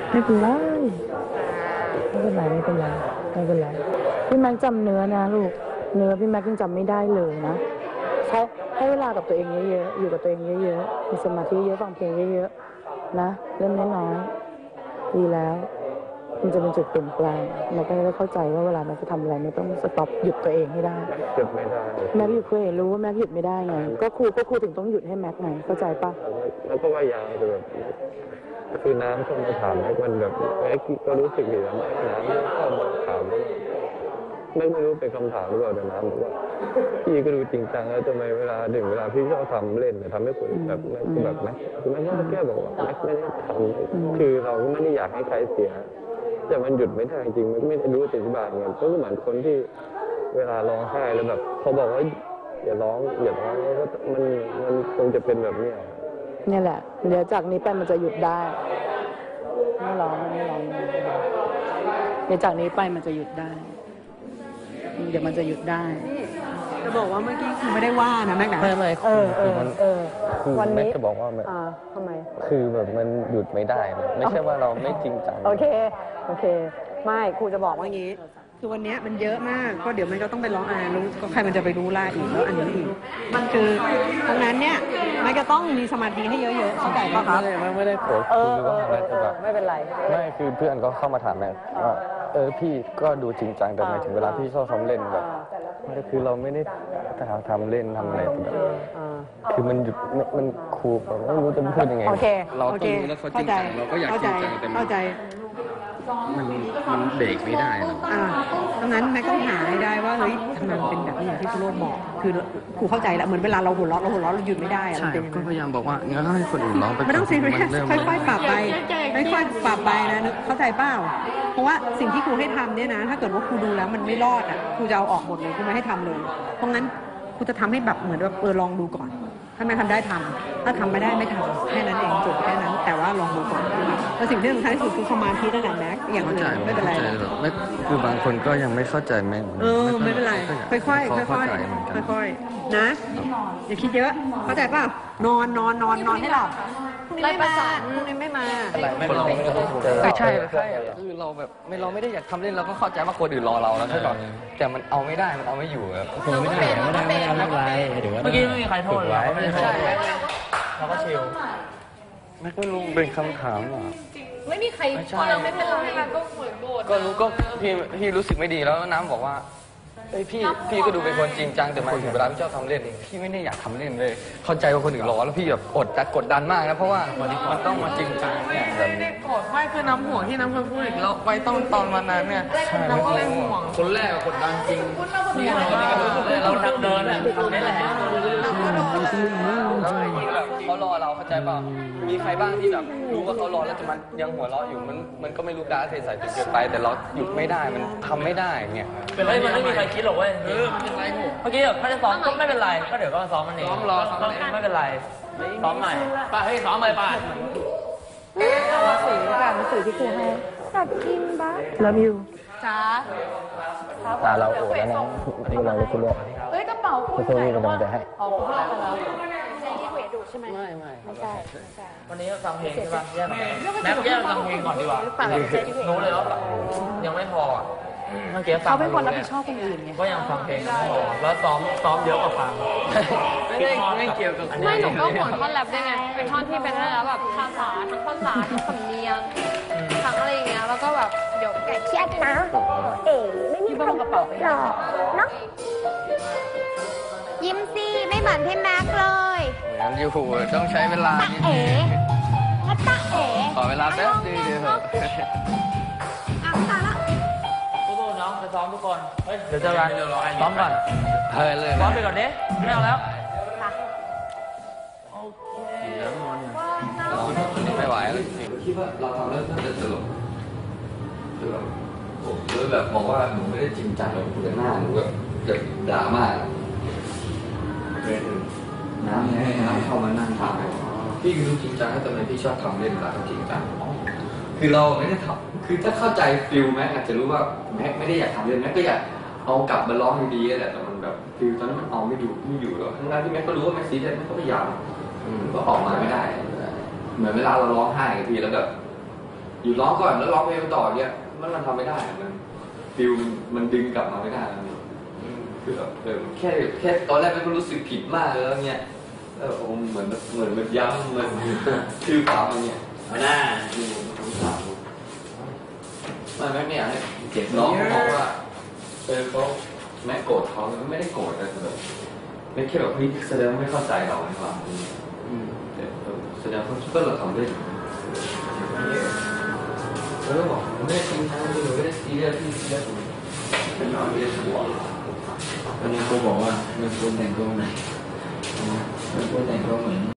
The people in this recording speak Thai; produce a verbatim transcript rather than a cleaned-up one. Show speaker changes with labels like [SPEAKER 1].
[SPEAKER 1] ไม่เป็นไรไม่เป็นไรไม่เป็นไรไม่เป็นไรพี่แม็กจำเนื้อนะลูกเนื้อพี่แม็กยังจำไม่ได้เลยนะใช้ให้เวลากับตัวเองเยอะๆอยู่กับตัวเองเยอะๆมีสมาธิเยอะฟังเพลงเยอะๆนะเริ่มน้อยๆดีแล้วมันจะเป็นจุดเปลี่ยนแปลงแม็กก็ได้เข้าใจว่าเวลาแม็กจะทำอะไรไม่ต้องสต็อปหยุดตัวเองให้ได้
[SPEAKER 2] หยุดไม่ได้
[SPEAKER 1] แม็กหยุดตัวเองรู้ว่าแม็กหยุดไม่ได้ไงก็ครูก็ครูถึงต้องหยุดให้แม็กไงเข้าใจปะ
[SPEAKER 2] แล้วก็พยายามจะแบบคือน้ำเข้ามาถามแม็กมันแบบแม็กก็รู้สึกอยู่แล้วน้ำเข้ามาถามแม็กไม่รู้เป็นคำถามหรือเปล่าแต่น้ำบอกว่าพี่ก็ดูจริงจังแล้วทำไมเวลาถึงเวลาพี่ชอบทำเล่นแต่ทำให้คนแบบแม็กแบบแม็กคือแม็กก็แค่บอกว่าแม็กไม่ได้ทำคือเราก็ไม่ได้อยากให้ใครเสียแต่มันหยุดไม่ได้จริงไม่รู้จะอธิบายไงก็เหมือนคนที่เวลาร้องไห้แล้วแบบเขาบอกว่าอย่าร้องอย่าร้องแล้วก็มันมันคงจะเป็นแบบนี้
[SPEAKER 1] นี่แหละเดี๋ยวจากนี้ไปมันจะหยุดได้ไม่ร้องไม่ร้องเดี๋ยวจากนี้ไปมันจะหยุดได้เดี๋ยวมันจะหยุดได้
[SPEAKER 3] จะบอกว่าเมื่อกี้คือไม่ได้ว่านะแม่กนะ
[SPEAKER 2] ไม่ไม่
[SPEAKER 1] เออเออเออ
[SPEAKER 2] วันนี้จะบอกว่าแบบ
[SPEAKER 1] ทำไม
[SPEAKER 2] คือแบบมันหยุดไม่ได้ไม่ใช่ว่าเราไม่จริงจัง
[SPEAKER 3] โอเคโอเคไม่ครูจะบอกว่างี้คือวันนี้มันเยอะมากก็เดี๋ยวมันก็ต้องไปร้องอ่านรู้ก็ใครมันจะไปรู้ล่าอีกแล้วอันนี้อีกมันคือตรงนั้นเนี่ยมันก็ต้องมีสมาธิให้เยอะๆเข้าใจป่ะครับ
[SPEAKER 2] ไม่ไม่ได้โกรธคือว่าอะไรแบบ
[SPEAKER 1] ไม่เป็นไร
[SPEAKER 2] ไม่คือเพื่อนก็เข้ามาถามแม่ว่าเออพี่ก็ดูจริงจังแต่หมายถึงเวลาพี่ชอบทำเล่นแบบก็คือเราไม่ได้ทำเล่นทำอะไรแบบคือมันหยุดมันครูแบบไม่รู้จะพูดยังไง
[SPEAKER 4] เราต้องรู้แล้วเขาจริงจังเราก็อยากจริงจังแต่
[SPEAKER 3] เข้าใจ
[SPEAKER 4] มันมันเบรกไม่ได้
[SPEAKER 3] อ่าดังนั้นแม่ต้องหาให้ได้ว่าเฮ้ยทำไมมันเป็นแบบนี้อย่างที่ครูโรจน์บอกคือครูเข้าใจแล้วเหมือนเวลาเราหัวเราะเราหัวเราะเราหยุดไม่ได้อะ
[SPEAKER 4] ใช่ก็พยายามบอกว่างั้นให้คนอื่นร้องไป
[SPEAKER 3] ไม่ต้องซีเรียสค่อยๆปรับไปค่อยๆปรับไปนะเข้าใจเปล่าเพราะว่าสิ่งที่ครูให้ทำเนี่ยนะถ้าเกิดว่าครูดูแล้วมันไม่รอดอ่ะครูจะเอาออกหมดเลยครูไม่ให้ทำเลยเพราะงั้นครูจะทำให้แบบเหมือนแบบเออลองดูก่อนถ้าไม่ทำได้ทำถ้าทำไม่ได้ไม่ทำแค่นั้นเองจบแค่นั้นแต่ว่าลองดูก่อนแล้วสิ่งที่สำคัญที่สุดคือสมาธินั่นแหละแม็กอย่างอื่นไม่เป็นไร
[SPEAKER 4] ไม่คือบางคนก็ยังไม่เข้าใจแม่
[SPEAKER 3] เออไม่เป็นไรค่อยๆค่อยๆค่อยๆนะอย่าคิดเยอะเข้าใจป่ะนอนนอนนอนนอนให้หลับพรุ่งนี้ไม่มาพรุ่งนี้ไม่มา
[SPEAKER 4] ไม่เราไม่ใช่ใช่คือเราแบบไม่เราไม่ได้อยากทำเล่นเราก็เข้าใจว่าคนอื่นรอเราแล้วใช่ป่ะแต่มันเอาไม่ได้มันเอาไม่อยู่ครับ
[SPEAKER 5] คือไม่ได้ไม่ได้ไม่ได้ไม่เป็นไรถือว่า
[SPEAKER 6] เมื่อกี้ไม่มีใครโทษเลยไม่ได้โทษเราก็ชิล
[SPEAKER 4] ไม่ก็รู้เป็นคำถามอ่ะ
[SPEAKER 7] ไม่มีใครพอเราไม่เป็นไรก็เหมือนโกรธ
[SPEAKER 4] ก็รู้ก็พี่พี่รู้สึกไม่ดีแล้วน้ำบอกว่าเอ้ยพี่พี่ก็ดูเป็นคนจริงจังแต่มาถึงเวลาพี่ชอบทำเล่นพี่ไม่ได้อยากทำเล่นเลยเข้าใจว่าคนอื่นรอแล้วพี่แบบอดจะกดดันมากนะเพราะว่ามันต้องมาจริงจังเนี่ย
[SPEAKER 6] ไม่ได้โกรธไม่คือน้ำห่วงที่น้ำเคยพูดอีกแล้วไว้ต้องตอนวันนั้นเนี่ยน้ำก็เลยห่วง
[SPEAKER 4] คนแรกกดดันจริง
[SPEAKER 6] เราทำเดินอ่ะทำได้แหละ
[SPEAKER 4] เขารอเราเข้าใจเปล่ามีใครบ้างที่แบบรู้ว่าเขารอแล้วแต่มันยังหัวเราะอยู่มันมันก็ไม่รู้การเทใส่จนเกินไปแต่เราหยุดไม่ได้มันทำไม่ได้เงี้ย
[SPEAKER 6] เป็นไรมันไม่มีใครคิดหรอกเว้ยเออมันเป็นไรหมดเมื่อกี้แบบถ้าจะซ้อมก็ไม่เป็นไรก็เดี๋ยวก็ซ้อมมันเองซ้อมรอซ้อมไม่เป็นไรซ้อมใหม่ป้าเฮ้ยซ้อมใหม่ป้า
[SPEAKER 1] หนังสือค่ะหนังสือที่ครูให้อยากกินบ้าแล้วมิว
[SPEAKER 7] จ้า
[SPEAKER 2] ตาเราโอดแล้วนะนี่เราเลยคุณลูก
[SPEAKER 7] เฮ้ยกระเป๋าคุณ
[SPEAKER 2] ใส่กระเป๋าจะให้
[SPEAKER 7] อ๋อคุณเอาแล้วใช้ที่เวดูใช่ไหม
[SPEAKER 4] ไม่ไม่
[SPEAKER 7] ไม่ใช่ไม่ใช่
[SPEAKER 6] วันนี้ฟังเพลงใช่ป่ะแยกแม็กแยกฟังเพลงก่อนดีกว่ารู้เลยว่ายังไม่พอเมื่อกี้ฟัง
[SPEAKER 3] เขาเป็นคนรับผิดชอบคนอื่นไง
[SPEAKER 6] ก็ยังฟังเพลงไม่พอแล้วซ้อมซ้อมเยอะกว่าฟัง
[SPEAKER 4] ไม่ได้ไม่เกี่ยวกับ
[SPEAKER 7] ไม่หนูก็ห่วงท่อนแรปด้วยไงเป็นท่อนที่เป็นอะไรแล้วแบบภาษาทั้งภาษาทั้งสำเนียงทั้งอะไรอย่างเงี้ยแล้วก็แบบเดี๋ยวแกเครียดนะเอ๋ไม่มีกระเป๋าไปหรอกเนาะยิ้มสิไม่เหมือนพี่แม็กเลย
[SPEAKER 4] เหมือนอยู่ต้องใช้เวลา
[SPEAKER 7] ตาเอ๋ตาเอ๋
[SPEAKER 4] ขอเวลาแป๊บนึงเดี๋ยวเถอะ
[SPEAKER 7] อ่ะตาละ
[SPEAKER 6] สู้ๆน้องไปซ้อมทุกคนเฮ้ยเดี๋ยวเจอกันซ้อมก่อน
[SPEAKER 4] เฮ้ยเลย
[SPEAKER 6] ซ้อมไปก่อนเด้ไม่เอาแล้ว
[SPEAKER 4] โอเคไม่ไหวแล้วคิดว่าเราทำแล้วน่าจะตลกคือแบบผมเลยแบบบอกว่าหนูไม่ได้จริงจังเลยคุณหน้าหนูแบบแบบด่ามากน้ำให้น้ำเข้ามานั่งทำพี่รู้จริงจังแต่ทำไมพี่ชอบทำเล่นเวลาจริงจังคือเราไม่ได้ทำคือถ้าเข้าใจฟิลแม็กอาจจะรู้ว่าแม็กไม่ได้อยากทำเล่นแม็กก็อยากเอากลับมาร้องดีๆแหละแต่มันแบบฟิลตอนนั้นมันเอาไม่ดูไม่อยู่แล้วทั้งนั้นที่แม็กก็รู้ว่าแม็กซีเรียสแม็กก็พยายามก็ออกมาไม่ได้เหมือนเวลาเราร้องไห้กันทีแล้วแบบอยู่ร้องก่อนแล้วร้องเพลงต่อเนี่ยมันมันทำไม่ได้มันฟิลมันดึงกลับมาไม่ได้แล้วคือแบบเออแค่แค่ตอนแรกมันก็รู้สึกผิดมากแล้วเนี่ยเออผมเหมือนเหมือนมันย้ำมันคือปามันเนี่ยไม่น่าดูสงสารมันไม่เนี่ยให้เจ็บน้องเขาบอกว่าเออเขาแม่โกรธเขาไม่ได้โกรธแต่แบบไม่แค่แบบพี่แสดงว่าไม่เข้าใจเราในความแสดงว่าก็เราทำได้เออบอกไม่ได้จริงจังไม่ได้ซีเรียสที่ซีเรียสเป็นน้องไม่ได้ชัวร์วันนี้เขาบอกว่ามันควรแต่งตัวไหนมันควรแต่งตัวเหมือน